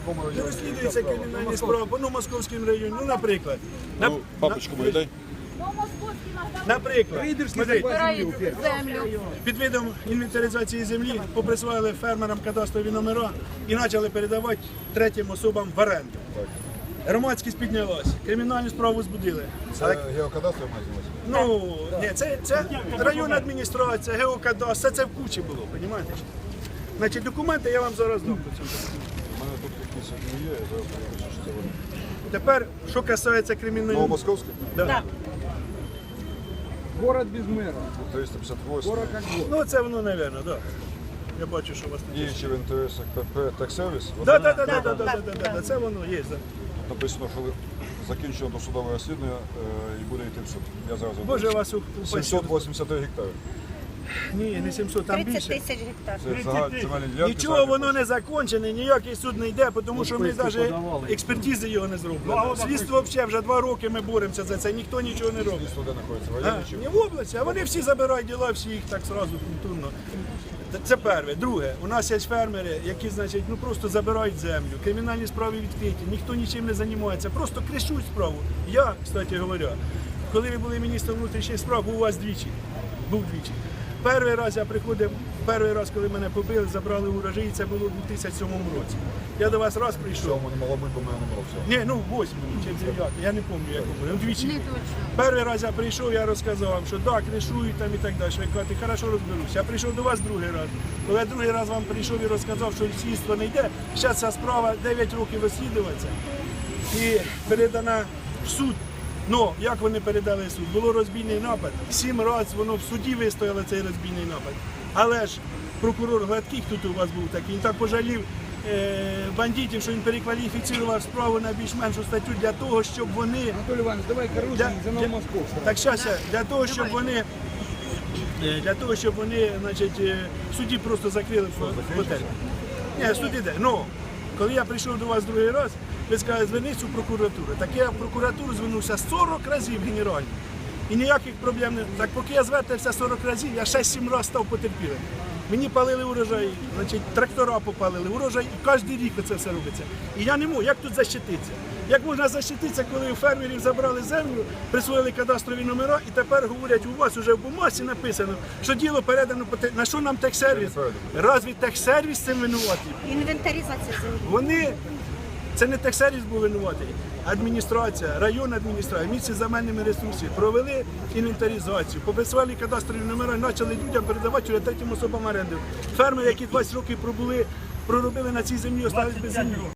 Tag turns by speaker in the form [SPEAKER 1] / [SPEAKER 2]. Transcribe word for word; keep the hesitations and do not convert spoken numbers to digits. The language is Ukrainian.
[SPEAKER 1] якому
[SPEAKER 2] Не
[SPEAKER 1] районі?
[SPEAKER 2] розслідується кримінальні справи по ну, Московському району. Ну, наприклад. На-
[SPEAKER 1] Ну, папочку мою дай.
[SPEAKER 2] Наприклад, смотрите,
[SPEAKER 3] Землю.
[SPEAKER 2] під видом інвентаризації землі поприсвоїли фермерам кадастрові номера і почали передавати третім особам в оренду. Громадськість піднялась, кримінальну справу збудили.
[SPEAKER 1] Це геокадастр має знімати?
[SPEAKER 2] Ну, ні, це, це районна адміністрація, геокадастр, все це в кучі було, розумієте? Значить, документи я вам зараз дам по цьому.
[SPEAKER 1] У мене тут якісь одні є, я зараз подивлюся, що це вони.
[SPEAKER 2] Тепер, що касається кримінальної...
[SPEAKER 1] Новомосковський?
[SPEAKER 2] Да.
[SPEAKER 4] Город без мэра.
[SPEAKER 1] триста п'ятдесят восемь.
[SPEAKER 4] Город как город.
[SPEAKER 2] Ну, це воно, мабуть, так. Да. Я бачу, що у вас тут є.
[SPEAKER 1] Діючи в інтересах ПП «Таксервіс».
[SPEAKER 2] Так, так, так, так, так, це воно є. Да.
[SPEAKER 1] Написано, що закінчено досудове розслідування е, і буде йти в суд. Я зараз
[SPEAKER 2] Боже,
[SPEAKER 1] розберусь.
[SPEAKER 2] вас у, у
[SPEAKER 1] сімсот вісімдесят три гектари.
[SPEAKER 2] Ні, не сімсот, там
[SPEAKER 3] тридцять
[SPEAKER 2] більше.
[SPEAKER 3] тисяч гектар.
[SPEAKER 1] Це загальні земельні ділянки.
[SPEAKER 2] Нічого
[SPEAKER 1] загальні
[SPEAKER 2] воно
[SPEAKER 1] площі.
[SPEAKER 2] не закончене, ніякий суд не йде, тому що ми навіть експертизи його не зробили. Слідство взагалі вже два роки ми боремося за це, ніхто нічого не робить.
[SPEAKER 1] Слідство де знаходиться? В
[SPEAKER 2] А,
[SPEAKER 1] районі чи?
[SPEAKER 2] не в області, а вони всі забирають діла, всі їх так зразу культурно. Це перше. Друге, у нас є фермери, які, значить, ну просто забирають землю, кримінальні справи відкриті, ніхто нічим не займається, просто кришуть справу. Я, кстати говоря, коли ви були міністром внутрішніх справ, був у вас двічі. Був двічі. Перший раз я приходив, перший раз, коли мене побили, забрали урожай, це було у дві тисячі сьомому році. Я до вас раз прийшов.
[SPEAKER 1] Цьому не могло бути, бо в мене не було всього.
[SPEAKER 2] Ні, ну в восьмому чи в дев'ятому, я не пам'ятаю, як було. Вдвічі. Перший раз я прийшов, я розказав вам, що так, кришують там і так далі. Ви кажете, хорошо розберуся. Я прийшов до вас другий раз. Коли я другий раз вам прийшов і розказав, що слідство не йде, зараз ця справа дев'ять років розслідується і передана в суд. Ну, як вони передали в суд? Було розбійний напад. Сім разів воно в суді вистояло цей розбійний напад. Але ж прокурор Гладкий, хто тут у вас був такий, він так пожалів е, бандитів, що він перекваліфікував справу на більш-меншу статтю для того, щоб вони...
[SPEAKER 4] Анатолий Иванович, давай короче,
[SPEAKER 2] Для,
[SPEAKER 4] за
[SPEAKER 2] для,
[SPEAKER 4] Новомосковск.
[SPEAKER 2] так, щас, я. для того, щоб вони, е, для того, щоб вони, значить, е, в суді просто закрили фо- готель. Ні, суд іде. Ну, коли я прийшов до вас другий раз, ви сказали, зверніться у прокуратуру. Так я в прокуратуру звернувся сорок разів генерально. І ніяких проблем не... Так поки я звертався сорок разів, я шість-сім разів став потерпілим. Мені палили урожай, значить, трактора попалили, урожай, і кожен рік це все робиться. І я не можу, як тут защититися? Як можна защититися, коли у фермерів забрали землю, присвоїли кадастрові номера, і тепер говорять, у вас вже в бумазі написано, що діло передано, по те- на що нам техсервіс? Разві техсервіс цим винуватий?
[SPEAKER 3] Інвентаризація землі.
[SPEAKER 2] Вони, це не техсервіс був винуватий, адміністрація, районна адміністрація, місце земельними ресурсами провели інвентаризацію, поприсвоїли кадастрові номера і почали людям передавати вже третім особам оренду. Фермери, які двадцять років пробули, проробили на цій землі, остались без землі.